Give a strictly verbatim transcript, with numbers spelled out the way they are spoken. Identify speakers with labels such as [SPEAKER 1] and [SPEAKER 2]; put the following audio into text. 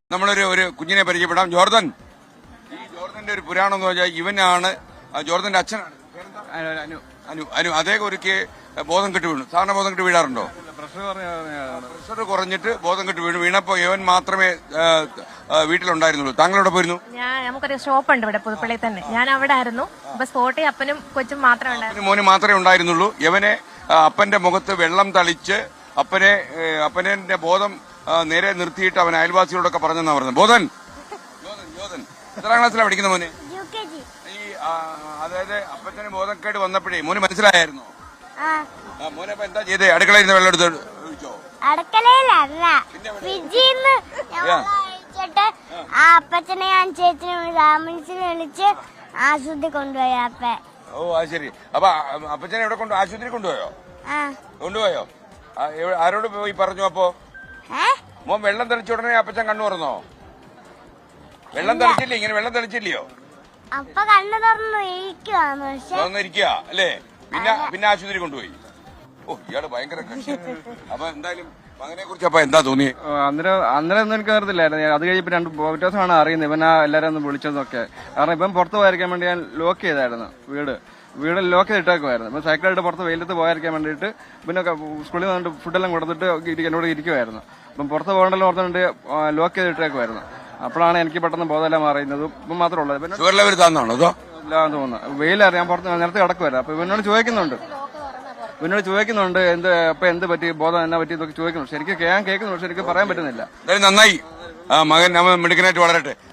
[SPEAKER 1] നമ്മളൊരു ഒരു കുഞ്ഞിനെ പരിചയപ്പെടാം. ജോർദൻ. ഈ ജോർദന്റെ ഒരു പുരാണം എന്ന് പറഞ്ഞാൽ ഇവനാണ് ജോർദന്റെ അച്ഛനാണ്. അനു അനു അനു അദ്ദേഹം ഒരുക്കി ബോധം കെട്ട് വീണു. സാധാരണ ബോധം കെട്ട് വീഴാറുണ്ടോ? പ്രഷർ കുറഞ്ഞിട്ട് ബോധം കെട്ട് വീണു. വീണപ്പോ ഇവൻ മാത്രമേ വീട്ടിലുണ്ടായിരുന്നുള്ളൂ. താങ്കളോടെ പോയിരുന്നു?
[SPEAKER 2] ഞാൻ നമുക്കൊരു ഷോപ്പ് ഉണ്ട് ഇവിടെ പുതുപ്പള്ളി തന്നെ. ഞാൻ അവിടെ ആയിരുന്നു. അപ്പൊ സ്പോട്ടിൽ അപ്പനും കൊച്ചും മാത്രമേ ഉണ്ടായിരുന്നു.
[SPEAKER 1] മോന് മാത്രമേ ഉണ്ടായിരുന്നുള്ളൂ. ഇവനെ അപ്പന്റെ മുഖത്ത് വെള്ളം തളിച്ച് അപ്പനെ അപ്പനെ ബോധം നേരെ നിർത്തിയിട്ട് അവൻ അയൽവാസികളോടൊക്കെ പറഞ്ഞെന്നാ പറഞ്ഞത്. ബോധൻ ജോതൻ എത്രാം ക്ലാസ്സിലാണ് പഠിക്കുന്ന മോന്? ഈ അതായത് അപ്പച്ചന് ബോധക്കേട് വന്നപ്പോഴേ മോന് മനസ്സിലായിരുന്നു. മോനെ അപ്പൊ എന്താ ചെയ്തേ? അടുക്കളയിൽ നിന്ന് വെള്ളം എടുത്ത് ഒഴിച്ചോ?
[SPEAKER 3] അടുക്കളയിലല്ല, ഫ്രിഡ്ജിന്ന് ഒഴിച്ചിട്ട് ആ അപ്പച്ചനെ ഞാൻ ചേച്ചിനെ ആംബുലൻസിൽ വിളിച്ച് ആശുപത്രി കൊണ്ടുപോയി. അപ്പ
[SPEAKER 1] ഓ അത് ശരി. അപ്പൊ അപ്പച്ചനെ എവിടെ കൊണ്ട് ആശുപത്രി കൊണ്ടുപോയോ? കൊണ്ടുപോയോ? ആരോട് പോയി പറഞ്ഞു? അപ്പോ മോൻ വെള്ളം തെളിച്ച ഉടനെ അപ്പച്ചൻ കണ്ണു തുറന്നോ? വെള്ളം തെളിച്ചില്ലേ? ഇങ്ങനെ വെള്ളം തെളിച്ചില്ലയോ?
[SPEAKER 3] അപ്പൊ കണ്ണു തുറന്നു ഇരിക്കുവാന്ന്.
[SPEAKER 1] തുറന്നിരിക്കുക അല്ലേ? പിന്നെ പിന്നെ ആശുപത്രി കൊണ്ടുപോയി. ഓ ഇയാള് ഭയങ്കര കക്ഷി. അപ്പൊ എന്തായാലും മകനെ കുറിച്ച് അപ്പൊ എന്താ തോന്നി?
[SPEAKER 4] അന്നേരം അന്നേരം ഒന്നും എനിക്ക് അറിയത്തില്ലായിരുന്നു. അത് കഴിഞ്ഞപ്പോ രണ്ട് വ്യത്യാസമാണ് അറിയുന്നത്. ഇവൻ ആ എല്ലാരും ഒന്ന് വിളിച്ചതൊക്കെ. കാരണം ഇപ്പം പുറത്ത് പോയിരിക്കാൻ വേണ്ടി ഞാൻ ലോക്ക് ചെയ്തായിരുന്നു വീട്. വീട് ലോക്ക് ചെയ്തിട്ടേക്കുമായിരുന്നു. ഇപ്പൊ സൈക്കിളായിട്ട് പുറത്ത് വെയിലത്ത് പോയിരിക്കാൻ വേണ്ടിയിട്ട് പിന്നെ സ്കൂളിൽ വന്നിട്ട് ഫുഡെല്ലാം കൊടുത്തിട്ട് എന്നോട് ഇരിക്കുമായിരുന്നു. അപ്പം പുറത്ത് പോകണ്ടല്ലോ ഓർത്തുകൊണ്ട് ലോക്ക് ചെയ്തിട്ടേക്കുമായിരുന്നു. അപ്പോഴാണ് എനിക്ക് പെട്ടെന്ന് ബോധമെല്ലാം മാറിയുന്നത്. ഇപ്പം മാത്രമേ ഉള്ളത്. ഇല്ലാന്ന് തോന്നുന്നു. വെയിലറിയാൻ പുറത്ത് നേരത്തെ കിടക്കുമായിരുന്നു. അപ്പൊ ഇവനോട് ചോദിക്കുന്നുണ്ട് ഇവനോട് ചോദിക്കുന്നുണ്ട് എന്ത് അപ്പൊ എന്ത് പറ്റി, ബോധം എന്നാ പറ്റി ഇതൊക്കെ ചോദിക്കുന്നു. ശരിക്കും ഞാൻ കേൾക്കുന്നു, പക്ഷെ എനിക്ക് പറയാൻ പറ്റുന്നില്ല.
[SPEAKER 1] നന്നായി മകൻ മിടുക്കനായിട്ട് വളരട്ടെ.